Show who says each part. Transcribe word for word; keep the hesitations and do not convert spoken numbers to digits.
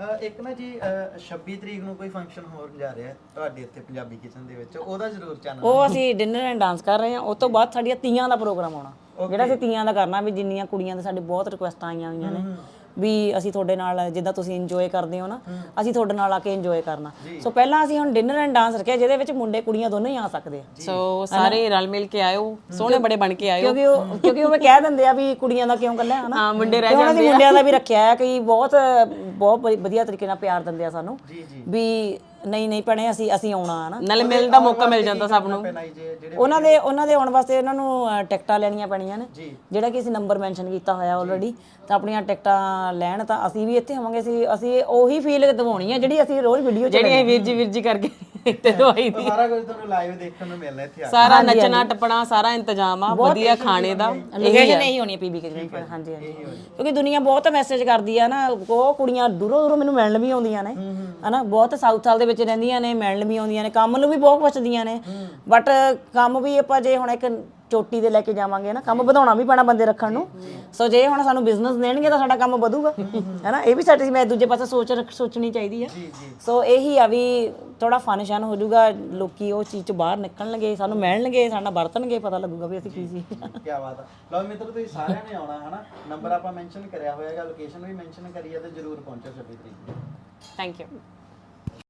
Speaker 1: ਇੱਕ ਨਾ ਜੀ ਛੱਬੀ ਤਰੀਕ ਨੂੰ ਕੋਈ ਫੰਕਸ਼ਨ ਹੋਰ ਜਾ ਰਿਹਾ ਤੁਹਾਡੇ ਇੱਥੇ ਪੰਜਾਬੀ ਕਿਚਨ ਦੇ ਵਿੱਚ, ਉਹਦਾ ਜ਼ਰੂਰ ਚੈਨਲ।
Speaker 2: ਉਹ ਅਸੀਂ ਡਿਨਰ ਐਂਡ ਡਾਂਸ ਕਰ ਰਹੇ ਹਾਂ। ਉਸ ਤੋਂ ਬਾਅਦ ਸਾਡੀਆਂ ਤੀਆਂ ਦਾ ਪ੍ਰੋਗਰਾਮ ਆਉਣਾ, ਜਿਹੜਾ ਅਸੀਂ ਤੀਆਂ ਦਾ ਕਰਨਾ। ਵੀ ਜਿੰਨੀਆਂ ਕੁੜੀਆਂ ਦੇ ਸਾਡੇ ਬਹੁਤ ਰਿਕੁਐਸਟਾਂ ਆਈਆਂ ਹੋਈਆਂ ਨੇ ਵੀ ਅਸੀਂ ਤੁਹਾਡੇ ਨਾਲ, ਜਿੱਦਾਂ ਤੁਸੀਂ ਇੰਜੋਏ ਕਰਦੇ ਹੋ ਨਾ, ਅਸੀਂ ਤੁਹਾਡੇ ਨਾਲ ਆ ਕੇ ਇੰਜੋਏ ਕਰਨਾ। ਸੋ ਪਹਿਲਾਂ ਅਸੀਂ ਹੁਣ ਡਿਨਰ ਐਂਡ ਡਾਂਸ ਰੱਖਿਆ, ਜਿਹਦੇ ਵਿੱਚ ਮੁੰਡੇ ਕੁੜੀਆਂ ਦੋਨੋਂ ਹੀ ਆ ਸਕਦੇ ਆ।
Speaker 3: ਸੋ ਸਾਰੇ ਰਲ ਮਿਲ ਕੇ ਆਇਓ, ਸੋਹਣੇ ਬੜੇ ਬਣ ਕੇ ਆਇਓ।
Speaker 2: ਕਿਉਂਕਿ ਉਹ ਕਿਉਂਕਿ ਉਹ ਕਹਿ ਦਿੰਦੇ ਆ ਵੀ ਕੁੜੀਆਂ ਦਾ ਕਿਉਂ ਕੱਲਾ ਹਨਾ,
Speaker 3: ਹਾਂ, ਮੁੰਡੇ ਰਹਿ
Speaker 2: ਜਾਂਦੇ ਆ। ਮੁੰਡਿਆਂ ਦਾ ਵੀ ਰੱਖਿਆ ਹੈ ਕਿ ਬਹੁਤ ਬਹੁਤ ਵਧੀਆ ਤਰੀਕੇ ਨਾਲ ਪਿਆਰ ਦਿੰਦੇ ਆ ਸਾਨੂੰ ਵੀ ਨਹੀਂ ਨਹੀਂ ਭੈਣੇ ਅਸੀਂ ਅਸੀਂ ਆਉਣਾ ਹੈ ਨਾ,
Speaker 3: ਨਾਲੇ ਮਿਲਣ ਦਾ ਮੌਕਾ ਮਿਲ ਜਾਂਦਾ ਸਭ ਨੂੰ।
Speaker 2: ਉਹਨਾਂ ਦੇ ਉਹਨਾਂ ਦੇ ਆਉਣ ਵਾਸਤੇ ਇਹਨਾਂ ਨੂੰ ਟਿਕਟਾਂ ਲੈਣੀਆਂ ਪੈਣੀਆਂ ਨੇ, ਜਿਹੜਾ ਕਿ ਅਸੀਂ ਨੰਬਰ ਮੈਂਸ਼ਨ ਕੀਤਾ ਹੋਇਆ ਆਲਰੇਡੀ। ਤਾਂ ਆਪਣੀਆਂ ਟਿਕਟਾਂ ਲੈਣ ਤਾਂ ਅਸੀਂ ਵੀ ਇੱਥੇ ਹੋਵਾਂਗੇ। ਅਸੀਂ ਅਸੀਂ ਉਹੀ ਫੀਲ ਦਿਵਾਉਣੀ ਹੈ ਜਿਹੜੀ ਅਸੀਂ ਰੋਜ਼ ਵੀਡੀਓ 'ਚ
Speaker 3: ਜਿਹੜੀ ਵੀਰ ਜੀ ਵੀਰ ਜੀ ਕਰਕੇ ਤੇ ਦਵਾਈ ਦੀ
Speaker 1: ਸਾਰਾ ਕੁਝ ਤੁਹਾਨੂੰ ਲਾਈਵ ਦੇਖਣ ਨੂੰ ਮਿਲਣਾ ਇੱਥੇ ਆ ਕੇ।
Speaker 3: ਸਾਰਾ ਨੱਚਣਾ ਟੱਪਣਾ ਸਾਰਾ ਇੰਤਜ਼ਾਮ ਆ, ਵਧੀਆ ਖਾਣੇ ਦਾ।
Speaker 2: ਲੋਕੇਸ਼ਨ ਇਹੀ ਹੋਣੀ ਹੈ ਪੀਬੀ ਕਿਚਨ। ਹਾਂਜੀ ਹਾਂਜੀ, ਕਿਉਂਕਿ ਦੁਨੀਆ ਬਹੁਤ ਮੈਸੇਜ ਕਰਦੀ ਆ ਨਾ, ਉਹ ਕੁੜੀਆਂ ਦੂਰੋਂ ਦੂਰੋਂ ਮੈਨੂੰ ਮਿਲਣ ਵੀ ਆਉਂਦੀਆਂ ਨੇ ਹਨਾ, ਬਹੁਤ ਸਾਊਥ ਸਾਲ ਦੇ ਵਿੱਚ ਰਹਿੰਦੀਆਂ ਨੇ, ਮਿਲਣ ਵੀ ਆਉਂਦੀਆਂ ਨੇ, ਕੰਮ ਨੂੰ ਵੀ ਬਹੁਤ ਪੁੱਛਦੀਆਂ ਨੇ। ਬਟ ਕੰਮ ਵੀ ਆਪਾਂ ਜੇ ਹੁਣ ਇੱਕ ਚੋਟੀ ਦੇ ਲੈ ਕੇ ਜਾਵਾਂਗੇ ਨਾ, ਕੰਮ ਵਧਾਉਣਾ ਵੀ ਪੈਣਾ ਬੰਦੇ ਰੱਖਣ ਨੂੰ। ਸੋ ਜੇ ਹੁਣ ਸਾਨੂੰ ਬਿਜ਼ਨਸ ਦੇਣਗੇ ਤਾਂ ਸਾਡਾ ਕੰਮ ਵਧੂਗਾ ਹੈਨਾ, ਇਹ ਵੀ ਸਾਡੀ ਮੈਂ ਦੂਜੇ ਪਾਸੇ ਸੋਚ ਸੋਚਣੀ ਚਾਹੀਦੀ ਆ। ਸੋ ਇਹੀ ਆ ਵੀ ਥੋੜਾ ਫਨ-ਸ਼ਨ ਹੋ ਜਾਊਗਾ, ਲੋਕੀ ਉਹ ਚੀਜ਼ ਤੋਂ ਬਾਹਰ ਨਿਕਲਣਗੇ, ਸਾਨੂੰ ਮਿਲਣਗੇ, ਸਾਡੇ ਨਾਲ ਵਰਤਣਗੇ, ਪਤਾ ਲੱਗੂਗਾ ਵੀ ਅਸੀਂ ਕੀ ਸੀ।
Speaker 1: ਕੀ ਬਾਤ ਆ। ਲਓ ਮਿੱਤਰੋ, ਤੁਸੀਂ ਸਾਰਿਆਂ ਨੇ ਆਉਣਾ ਹਨਾ, ਨੰਬਰ ਆਪਾਂ ਮੈਂਸ਼ਨ ਕਰਿਆ ਹੋਇਆਗਾ, ਲੋਕੇਸ਼ਨ ਵੀ ਮੈਂਸ਼ਨ ਕਰੀ ਆ, ਤੇ ਜਰੂਰ ਪਹੁੰਚੋ ਛੱਬੀ ਤਰੀਕ ਨੂੰ।
Speaker 3: Thank you.